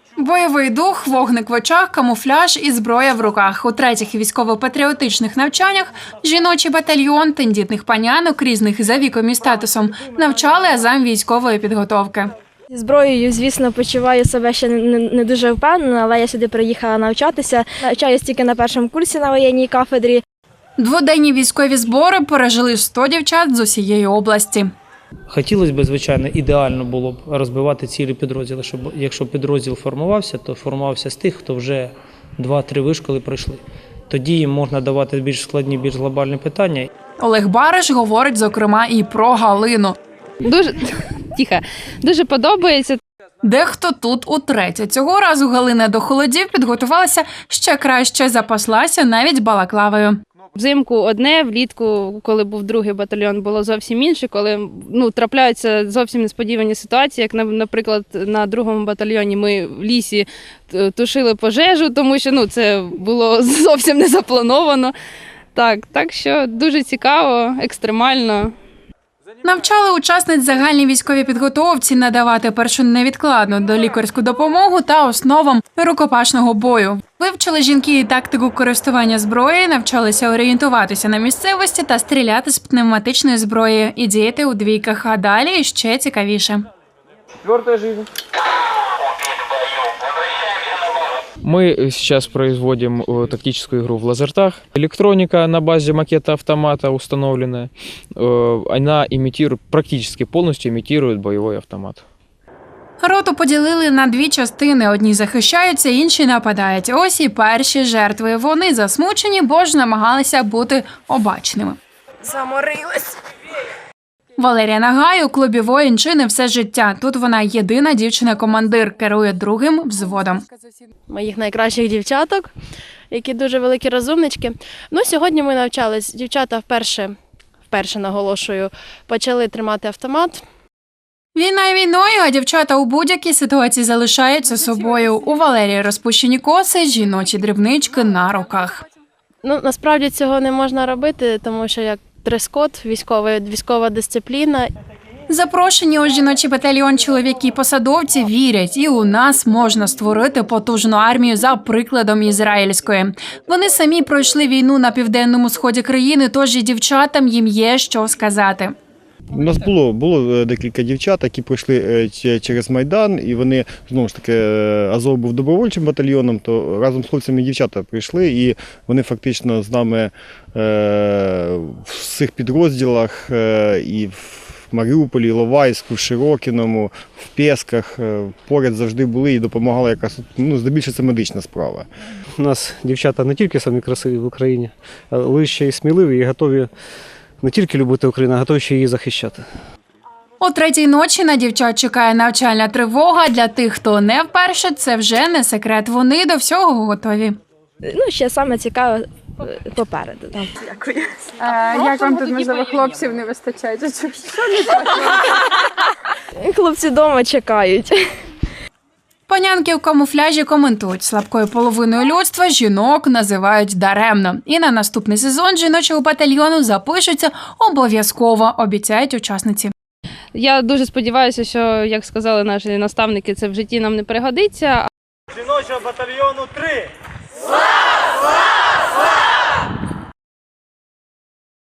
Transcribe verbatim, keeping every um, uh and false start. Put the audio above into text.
Бойовий дух, вогник в очах, камуфляж і зброя в руках. У третіх військово-патріотичних навчаннях жіночий батальйон тендітних панянок різних за віком і статусом навчали азам військової підготовки. Зі зброєю, звісно, почуваю себе ще не, не дуже впевнено, але я сюди приїхала навчатися. Навчаюсь тільки на першому курсі на воєнній кафедрі. Дводенні військові збори пережили сто дівчат з усієї області. Хотілося б, звичайно, ідеально було б розбивати цілі підрозділи, щоб якщо підрозділ формувався, то формувався з тих, хто вже два-три вишколи пройшли. Тоді їм можна давати більш складні, більш глобальні питання. Олег Бариш говорить, зокрема, і про Галину. Дуже, тихо, дуже подобається. Дехто тут утретє. Цього разу Галина до холодів підготувалася ще краще, запаслася навіть балаклавою. Взимку одне, влітку, коли був другий батальйон, було зовсім інше, коли ну, трапляються зовсім несподівані ситуації, як, наприклад, на другому батальйоні ми в лісі тушили пожежу, тому що ну, це було зовсім не заплановано. Так, так що дуже цікаво, екстремально. Навчали учасниць загальній військовій підготовці надавати першу невідкладну долікарську допомогу та основам рукопашного бою. Вивчили жінки і тактику користування зброєю, навчалися орієнтуватися на місцевості та стріляти з пневматичної зброї і діяти у двійках, а далі ще цікавіше. Четвертая жизнь. Мы сейчас производим тактическую игру в лазертаг. Электроника на базе макета автомата установленная. Она имитирует, практически полностью имитирует боевой автомат. Роту поділили на дві частини. Одні захищаються, інші нападають. Ось і перші жертви. Вони засмучені, бо ж намагалися бути обачними. Заморилась. Валерія Нагай у клубі воїнчини все життя. Тут вона єдина дівчина-командир, керує другим взводом. Моїх найкращих дівчаток, які дуже великі розумнички. Ну, сьогодні ми навчались. Дівчата вперше, вперше наголошую, почали тримати автомат. Війна війною, а дівчата у будь-якій ситуації залишаються собою. У Валерії розпущені коси, жіночі дрібнички на руках. Ну, насправді цього не можна робити, тому що як дрес-код, військова, військова дисципліна. Запрошені у жіночий батальйон чоловіки-посадовці вірять, і у нас можна створити потужну армію за прикладом ізраїльської. Вони самі пройшли війну на південному сході країни, тож і дівчатам їм є що сказати. У нас було, було декілька дівчат, які пройшли через Майдан, і вони, знову ж таки, Азов був добровольчим батальйоном, то разом з хлопцями дівчата прийшли, і вони фактично з нами е, в цих підрозділах е, і в Маріуполі, Іловайську, в Широкіному, в Пєсках поряд завжди були і допомагали якраз, ну, здебільшого це медична справа. У нас дівчата не тільки самі красиві в Україні, але ще й сміливі і готові не тільки любити Україну, а готові ще її захищати. О третій ночі на дівчат чекає навчальна тривога. Для тих, хто не вперше, це вже не секрет. Вони до всього готові. Ну, ще саме цікаве попереду. Дякую. А, як вам тут, можливо, хлопців не вистачає? Що не так? Хлопці вдома чекають. Панянки у камуфляжі коментують. Слабкою половиною людства жінок називають даремно. І на наступний сезон жіночого батальйону запишуться обов'язково, обіцяють учасниці. Я дуже сподіваюся, що, як сказали наші наставники, це в житті нам не пригодиться. Жіночого батальйону три! Слава!